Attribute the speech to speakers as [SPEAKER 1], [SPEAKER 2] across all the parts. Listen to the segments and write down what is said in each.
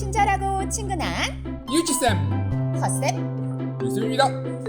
[SPEAKER 1] 친절하고 친근한
[SPEAKER 2] 유치쌤
[SPEAKER 1] 컷쌤
[SPEAKER 2] 유수입니다.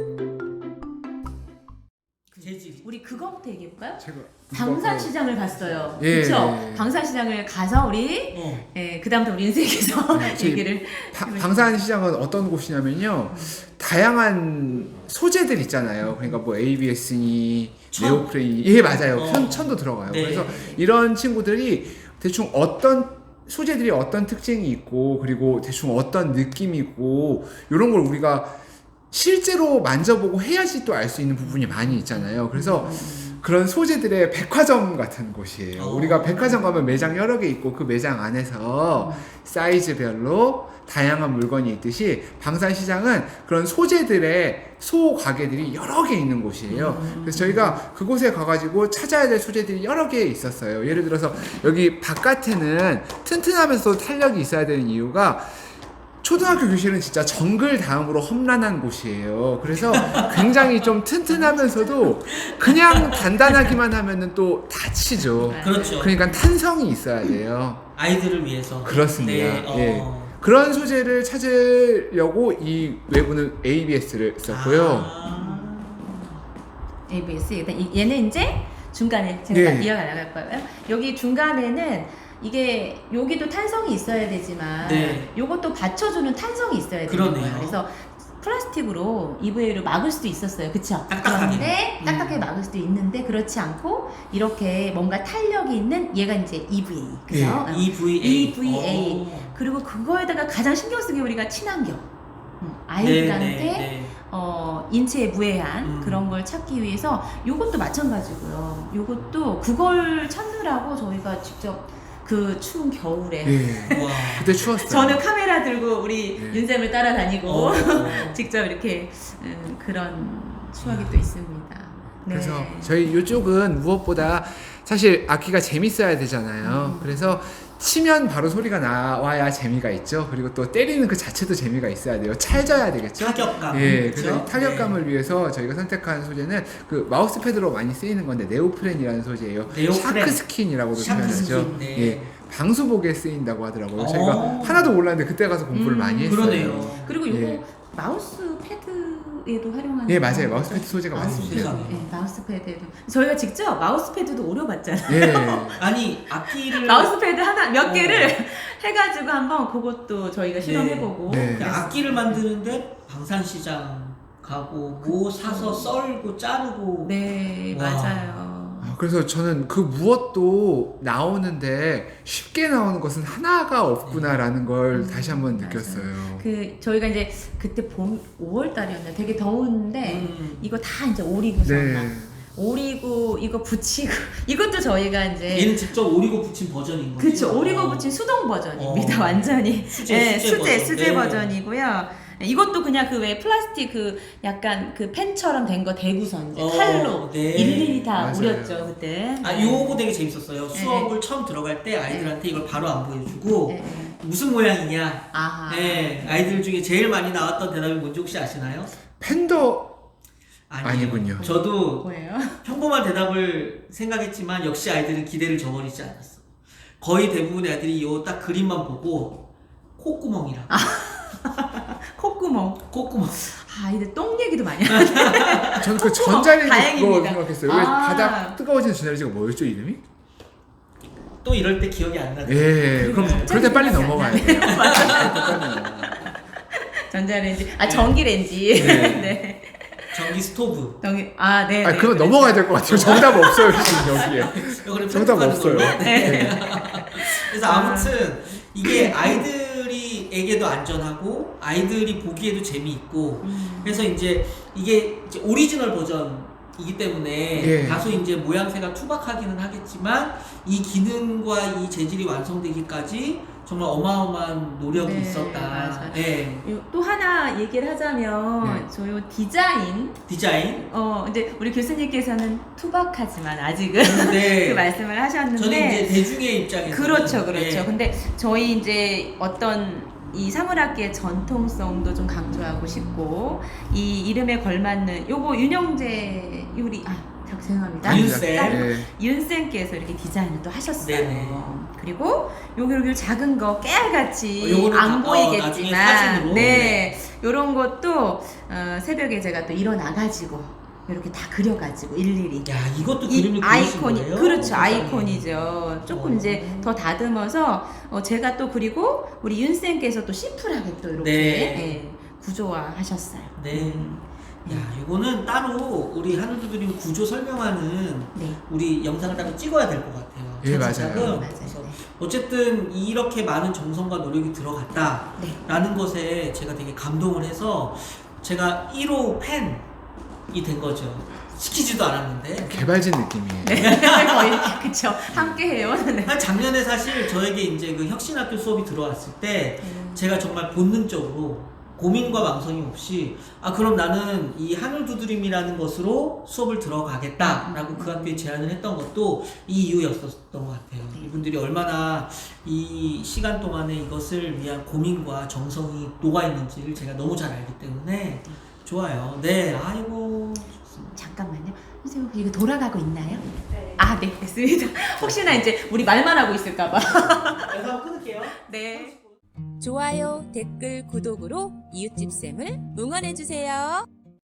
[SPEAKER 3] 재질.
[SPEAKER 4] 우리 그거부터 얘기해볼까요?
[SPEAKER 2] 제가
[SPEAKER 4] 방산시장을 갔어요.
[SPEAKER 2] 예.
[SPEAKER 4] 그렇죠? 방산시장을 가서 우리 그다음부터 우리 인생에서 얘기를
[SPEAKER 2] 방산시장은 어떤 곳이냐면요, 다양한 소재들 있잖아요. 그러니까 뭐 ABS니 네오프레니, 예 맞아요. 천도 들어가요.
[SPEAKER 3] 네.
[SPEAKER 2] 그래서 이런 친구들이 대충 어떤 소재들이 어떤 특징이 있고, 그리고 대충 어떤 느낌이고, 이런 걸 우리가 실제로 만져보고 해야지 또 알 수 있는 부분이 많이 있잖아요. 그래서 그런 소재들의 백화점 같은 곳이에요. 우리가 백화점 가면 매장 여러 개 있고, 그 매장 안에서 사이즈별로 다양한 물건이 있듯이 방산시장은 그런 소재들의 소가게들이 여러 개 있는 곳이에요. 그래서 저희가 그곳에 가가지고 찾아야 될 소재들이 여러 개 있었어요. 예를 들어서 여기 바깥에는 튼튼하면서 탄력이 있어야 되는 이유가, 초등학교 교실은 진짜 정글 다음으로 험난한 곳이에요. 그래서 굉장히 좀 튼튼하면서도 그냥 단단하기만 하면은 또 다치죠.
[SPEAKER 3] 그렇죠.
[SPEAKER 2] 그러니까 탄성이 있어야 돼요.
[SPEAKER 3] 아이들을 위해서.
[SPEAKER 2] 그렇습니다.
[SPEAKER 3] 네.
[SPEAKER 2] 예. 그런 소재를 찾으려고 이 외부는 ABS를 썼고요.
[SPEAKER 4] ABS. 얘는 이제 중간에 제가
[SPEAKER 2] 예.
[SPEAKER 4] 이어가려고 거예요. 여기 중간에는 이게 여기도 탄성이 있어야 되지만
[SPEAKER 3] 네.
[SPEAKER 4] 요것도 받쳐주는 탄성이 있어야 되는
[SPEAKER 3] 그러네요.
[SPEAKER 4] 거예요. 그래서 플라스틱으로 EVA로 막을 수도 있었어요. 그쵸?
[SPEAKER 3] 딱딱하게.
[SPEAKER 4] 그런데 딱딱하게 막을 수도 있는데 그렇지 않고 이렇게 뭔가 탄력이 있는 얘가 이제 EVA. 그죠?
[SPEAKER 2] 예.
[SPEAKER 3] EVA.
[SPEAKER 4] EVA. 그리고 그거에다가 가장 신경 쓰는 게 우리가 친환경. 아이들한테
[SPEAKER 3] 네.
[SPEAKER 4] 인체에 무해한 그런 걸 찾기 위해서 요것도 마찬가지고요. 요것도 그걸 찾느라고 저희가 직접 그 추운 겨울에
[SPEAKER 2] 예.
[SPEAKER 3] 와.
[SPEAKER 2] 그때 추웠어요.
[SPEAKER 4] 저는 카메라 들고 우리
[SPEAKER 2] 네.
[SPEAKER 4] 윤쌤을 따라다니고
[SPEAKER 3] 어.
[SPEAKER 4] 직접 이렇게 그런 추억이 또 있습니다. 네.
[SPEAKER 2] 그래서 저희 이쪽은 무엇보다 사실 악기가 재밌어야 되잖아요. 그래서 치면 바로 소리가 나와야 재미가 있죠. 그리고 또 때리는 그 자체도 재미가 있어야 돼요. 찰져야 되겠죠.
[SPEAKER 3] 타격감.
[SPEAKER 2] 예,
[SPEAKER 3] 그렇죠?
[SPEAKER 2] 그래서 이 타격감을 위해서 저희가 선택한 소재는 그 마우스 패드로 많이 쓰이는 건데 네오프렌이라는 소재예요.
[SPEAKER 3] 네오프렌.
[SPEAKER 2] 샤크스킨이라고도
[SPEAKER 3] 샤크스킨,
[SPEAKER 2] 표현하죠.
[SPEAKER 3] 네.
[SPEAKER 2] 예, 방수복에 쓰인다고 하더라고요.
[SPEAKER 3] 오.
[SPEAKER 2] 저희가 하나도 몰랐는데 그때 가서 공부를 많이 했어요.
[SPEAKER 3] 그러네요.
[SPEAKER 4] 그리고 요거
[SPEAKER 2] 예.
[SPEAKER 4] 마우스 패드에도 활용하는
[SPEAKER 2] 예, 맞아요.
[SPEAKER 4] 거.
[SPEAKER 2] 마우스 패드 소재가
[SPEAKER 4] 마우스
[SPEAKER 2] 많습니다.
[SPEAKER 4] 패드. 예, 마우스 패드에도 저희가 직접 마우스 패드도 오려봤잖아요.
[SPEAKER 2] 예.
[SPEAKER 3] 아니 악기를
[SPEAKER 4] 마우스 패드 하나 몇 개를 해가지고 한번 그것도 저희가 실험해보고
[SPEAKER 2] 네.
[SPEAKER 3] 악기를 만드는데 방산시장 가고 뭐 사서 썰고 자르고.
[SPEAKER 4] 네
[SPEAKER 3] 와.
[SPEAKER 4] 맞아요.
[SPEAKER 2] 그래서 저는 그 무엇도 나오는데 쉽게 나오는 것은 하나가 없구나라는 걸 다시 한번
[SPEAKER 4] 맞아요.
[SPEAKER 2] 느꼈어요.
[SPEAKER 4] 그 저희가 이제 그때 봄 5월달이었나 되게 더웠는데 이거 다 이제 오리고서
[SPEAKER 2] 네.
[SPEAKER 4] 막 오리고 이거 붙이고 이것도 저희가 이제
[SPEAKER 3] 얘는 직접 오리고 붙인 버전인 거죠?
[SPEAKER 4] 그쵸 오리고 붙인 수동 버전입니다.
[SPEAKER 3] 어.
[SPEAKER 4] 완전히
[SPEAKER 3] 수제
[SPEAKER 4] 수제
[SPEAKER 3] 버전. 네.
[SPEAKER 4] 버전이고요. 이것도 그냥 그 왜 플라스틱 그 약간 그 펜처럼 된 거 대구선 이제
[SPEAKER 3] 어,
[SPEAKER 4] 칼로
[SPEAKER 3] 네.
[SPEAKER 4] 일일이 다
[SPEAKER 2] 맞아요.
[SPEAKER 4] 우렸죠 그때.
[SPEAKER 3] 아 요거 되게 재밌었어요. 수업을 처음 들어갈 때 아이들한테 이걸 바로 안 보여주고
[SPEAKER 4] 네, 네.
[SPEAKER 3] 무슨 모양이냐.
[SPEAKER 4] 아하.
[SPEAKER 3] 네, 아이들 중에 제일 많이 나왔던 대답이 뭔지 혹시 아시나요?
[SPEAKER 2] 팬더
[SPEAKER 3] 아니에요.
[SPEAKER 2] 아니군요.
[SPEAKER 3] 저도
[SPEAKER 4] 뭐예요?
[SPEAKER 3] 평범한 대답을 생각했지만 역시 아이들은 기대를 저버리지 않았어. 거의 대부분의 아이들이 요 딱 그림만 보고 콧구멍이라고.
[SPEAKER 4] 콧구멍.
[SPEAKER 3] 콧구멍.
[SPEAKER 4] 아이들 똥 얘기도 많이 하네.
[SPEAKER 2] 저는 그 전자레인지 그거
[SPEAKER 4] 다행입니다.
[SPEAKER 2] 생각했어요. 왜
[SPEAKER 4] 아.
[SPEAKER 2] 바닥 뜨거워지는 전자레인지가 뭐였죠 이름이?
[SPEAKER 3] 또 이럴 때 기억이 안 나네.
[SPEAKER 2] 예, 그럼 그럴 때 빨리
[SPEAKER 4] 생각이 안
[SPEAKER 2] 넘어가야
[SPEAKER 4] 나네.
[SPEAKER 2] 돼요.
[SPEAKER 4] 전자레인지, 전기레인지.
[SPEAKER 2] 네.
[SPEAKER 4] 네.
[SPEAKER 3] 전기 스토브.
[SPEAKER 4] 네.
[SPEAKER 2] 아,
[SPEAKER 4] 네.
[SPEAKER 2] 그러면 넘어가야 될 것 같아요. 정답 없어요 지금 여기에.
[SPEAKER 3] 이거를
[SPEAKER 2] 정답
[SPEAKER 3] 편집하는
[SPEAKER 2] 없어요.
[SPEAKER 3] 걸로.
[SPEAKER 4] 네.
[SPEAKER 3] 그래서 아무튼 이게 아이들이에게도 안전하고 아이들이 보기에도 재미있고 그래서 이제 이게 이제 오리지널 버전이기 때문에
[SPEAKER 2] 예.
[SPEAKER 3] 다소 이제 모양새가 투박하기는 하겠지만 이 기능과 이 재질이 완성되기까지 정말 어마어마한 노력이
[SPEAKER 4] 네,
[SPEAKER 3] 있었다.
[SPEAKER 4] 맞아요.
[SPEAKER 3] 네.
[SPEAKER 4] 또 하나 얘기를 하자면
[SPEAKER 2] 네.
[SPEAKER 4] 저요 디자인
[SPEAKER 3] 디자인.
[SPEAKER 4] 이제 우리 교수님께서는 투박하지만 아직은
[SPEAKER 3] 네.
[SPEAKER 4] 그 말씀을 하셨는데
[SPEAKER 3] 저는 이제 대중의 입장에서
[SPEAKER 4] 그렇죠.
[SPEAKER 3] 네.
[SPEAKER 4] 근데 저희 이제 어떤 이 사물악기의 전통성도 좀 강조하고 싶고 이 이름에 걸맞는 요거 윤영재 유리 죄송합니다.
[SPEAKER 3] 윤쌤.
[SPEAKER 2] 네.
[SPEAKER 4] 윤쌤께서 이렇게 디자인을 또 하셨어요.
[SPEAKER 3] 네네.
[SPEAKER 4] 그리고 요기 작은 거 깨알같이
[SPEAKER 3] 요거는
[SPEAKER 4] 안
[SPEAKER 3] 나중에
[SPEAKER 4] 보이겠지만
[SPEAKER 3] 사진으로.
[SPEAKER 4] 네 요런 것도 새벽에 제가 또 일어나가지고 이렇게 다 그려가지고 일일이
[SPEAKER 3] 야, 이것도
[SPEAKER 4] 이
[SPEAKER 3] 그림을 그리신
[SPEAKER 4] 아이콘이
[SPEAKER 3] 거예요?
[SPEAKER 4] 그렇죠
[SPEAKER 3] 세상에.
[SPEAKER 4] 아이콘이죠. 조금
[SPEAKER 3] 어.
[SPEAKER 4] 이제 더 다듬어서 제가 또 그리고 우리 윤쌤께서 또 심플하게 또 이렇게
[SPEAKER 3] 네.
[SPEAKER 4] 구조화하셨어요.
[SPEAKER 3] 네. 야, 이거는 따로 우리 하늘두드림 구조 설명하는
[SPEAKER 4] 네.
[SPEAKER 3] 우리 영상을 따로 찍어야 될 것 같아요.
[SPEAKER 2] 예,
[SPEAKER 3] 차근차근.
[SPEAKER 2] 맞아요.
[SPEAKER 3] 그래서
[SPEAKER 4] 네.
[SPEAKER 3] 어쨌든 이렇게 많은 정성과 노력이 들어갔다라는
[SPEAKER 4] 네.
[SPEAKER 3] 것에 제가 되게 감동을 해서 제가 1호 팬이 된 거죠. 시키지도 않았는데.
[SPEAKER 2] 개발진 느낌이에요.
[SPEAKER 4] 네. 거의 그쵸 함께해요. 네.
[SPEAKER 3] 한 작년에 사실 저에게 이제 그 혁신학교 수업이 들어왔을 때 제가 정말 본능적으로 고민과 망설임 없이 그럼 나는 이 하늘두드림이라는 것으로 수업을 들어가겠다라고 그 학교에 제안을 했던 것도 이 이유였었던 것 같아요. 이분들이 얼마나 이 시간 동안에 이것을 위한 고민과 정성이 녹아있는지를 제가 너무 잘 알기 때문에 좋아요. 네, 아이고.
[SPEAKER 4] 잠깐만요. 선생님 이거 돌아가고 있나요? 네. 네, 됐습니다. 혹시나 이제 우리 말만 하고 있을까봐.
[SPEAKER 3] 영상 끊을게요.
[SPEAKER 4] 네.
[SPEAKER 1] 좋아요, 댓글, 구독으로 이웃집쌤을 응원해주세요.